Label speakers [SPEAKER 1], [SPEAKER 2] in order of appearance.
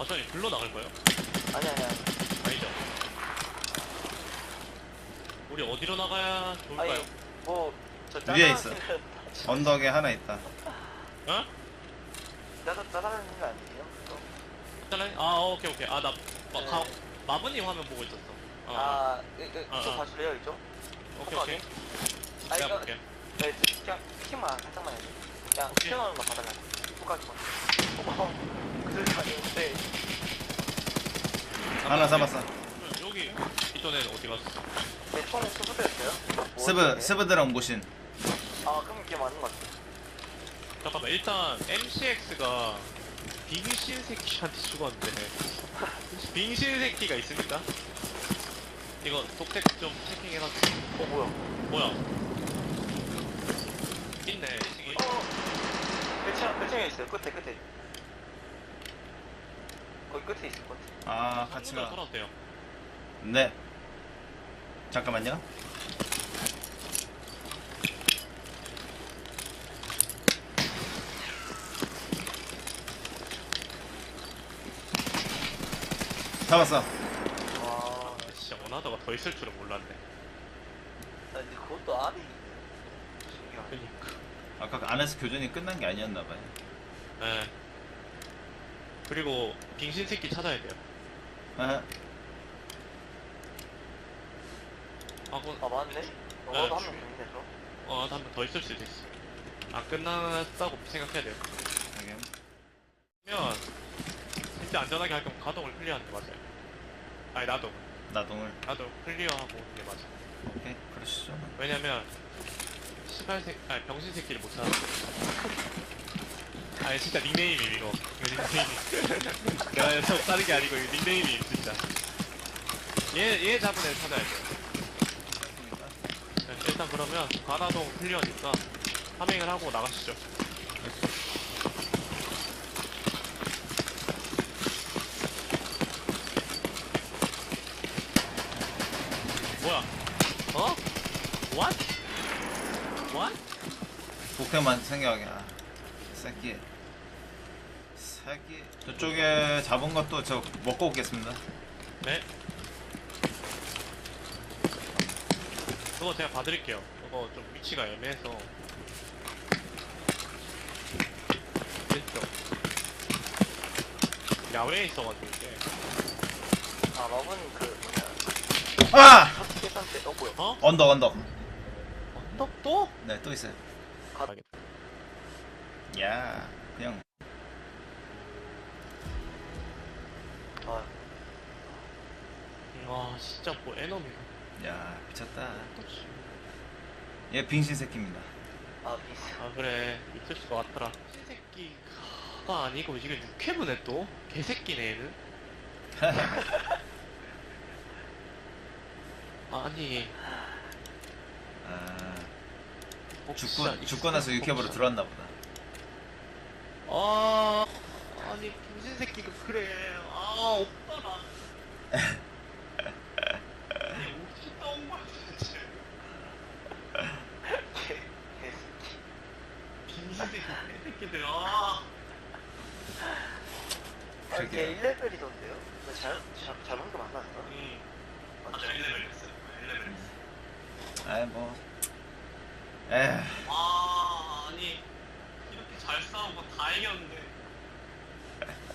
[SPEAKER 1] 저희 불러 나갈 거예요?
[SPEAKER 2] 아니.
[SPEAKER 1] 아니죠. 우리 어디로 나가야 좋을까요?
[SPEAKER 2] 아니, 뭐, 저
[SPEAKER 3] 위에 있어.
[SPEAKER 2] 짜장면
[SPEAKER 3] 언덕에 하나 있다.
[SPEAKER 1] 어?
[SPEAKER 2] 짜장면 거 아니에요? 또.
[SPEAKER 1] 짜라니? 오케이. 나 마부님 화면 보고 있었어.
[SPEAKER 2] 이쪽 봐줄래요, 이쪽?
[SPEAKER 1] 오케이.
[SPEAKER 2] 이거,
[SPEAKER 1] 내가 볼게.
[SPEAKER 2] 네, 그냥 키만, 살짝만 해줘. 그냥
[SPEAKER 1] 오케이.
[SPEAKER 2] 튀어나오는 거 받아가지고. 똑같이 그들 아닌데.
[SPEAKER 3] 하나 잡았어.
[SPEAKER 1] 여기 있던 애는 어디 갔어?
[SPEAKER 2] 내 총에 수부대였어요?
[SPEAKER 3] 스브드랑 옹고신.
[SPEAKER 2] 그럼 이게 맞는 것 같아.
[SPEAKER 1] 잠깐만, 일단 MCX가 빙신 새끼한테 죽었는데 빙신 새끼가 있습니다. 이거 독택 좀 체킹해가지고. 뭐야? 있네.
[SPEAKER 2] 배층에 있어요. 끝에. 거기 끝에 있을 것 같아.
[SPEAKER 3] 같이
[SPEAKER 1] 가.
[SPEAKER 3] 가.
[SPEAKER 1] 살아도 돼요.
[SPEAKER 3] 네. 잠깐만요. 잡았어.
[SPEAKER 2] 와,
[SPEAKER 1] 진짜 원하다가 더 있을 줄은 몰랐네.
[SPEAKER 2] 근데 그것도 알이 신기하네.
[SPEAKER 1] 그니까.
[SPEAKER 3] 아까 안에서 교전이 끝난 게 아니었나봐요.
[SPEAKER 1] 네. 그리고 빙신 새끼 찾아야 돼요.
[SPEAKER 3] 아,
[SPEAKER 2] 맞네? 너도 한 명 더 있네, 저.
[SPEAKER 1] 한 번 더 있을 수도 있어. 끝났다고 생각해야 돼요.
[SPEAKER 3] 하긴.
[SPEAKER 1] 그러면 진짜 안전하게 할 거면 가동을 클리어하는 게 맞아요. 아니 나도
[SPEAKER 3] 나동을.
[SPEAKER 1] 클리어하고 오는 게 맞아.
[SPEAKER 3] 오케이, 그러시죠.
[SPEAKER 1] 왜냐면 병신 새끼를 못 찾아. 아니 진짜 닉네임이 이거 닉네임이. 내가 다른 게 아니고 이거 닉네임이 진짜. 얘 잡은 애 찾아야 돼. 일단 그러면 가나동 클리어니까 파밍을 하고 나가시죠. 뭐야? What?
[SPEAKER 3] 복태만 생각하게. 새끼. 저쪽에 잡은 것도 저 먹고 오겠습니다.
[SPEAKER 1] 네. 그거 제가 봐드릴게요. 그거 좀 위치가 애매해서. 왼쪽. 야외에 있어가지고 이게.
[SPEAKER 2] 마법은 그 뭐냐.
[SPEAKER 3] 아!
[SPEAKER 2] 첫 계산 때, 뭐야.
[SPEAKER 3] 언덕.
[SPEAKER 1] 또?
[SPEAKER 3] 네, 또 있어요.
[SPEAKER 1] 가야겠다.
[SPEAKER 3] 야, 그냥.
[SPEAKER 1] 와, 진짜 뭐 에너미가.
[SPEAKER 3] 야, 미쳤다. 얘 빙신 새끼입니다.
[SPEAKER 2] 비슷.
[SPEAKER 1] 그래. 있을 것 같더라. 새끼가 아니고 이게 육회분에 또? 개새끼네 얘는. 아니.
[SPEAKER 3] 죽고 나서 육회부로 들어왔나 보다.
[SPEAKER 1] 아니 빙신 새끼가 그래. 오빠라. 어디서 따온 거야 도대체. 빙신 새끼들.
[SPEAKER 3] 그러게요.
[SPEAKER 2] 1레벨이던데요? 잘못 거 맞았어?
[SPEAKER 1] 맞아 1레벨이었어. 1레벨이었어.
[SPEAKER 3] 아이, 뭐. 에휴.
[SPEAKER 1] 아니 이렇게 잘 싸우고 다 이겼는데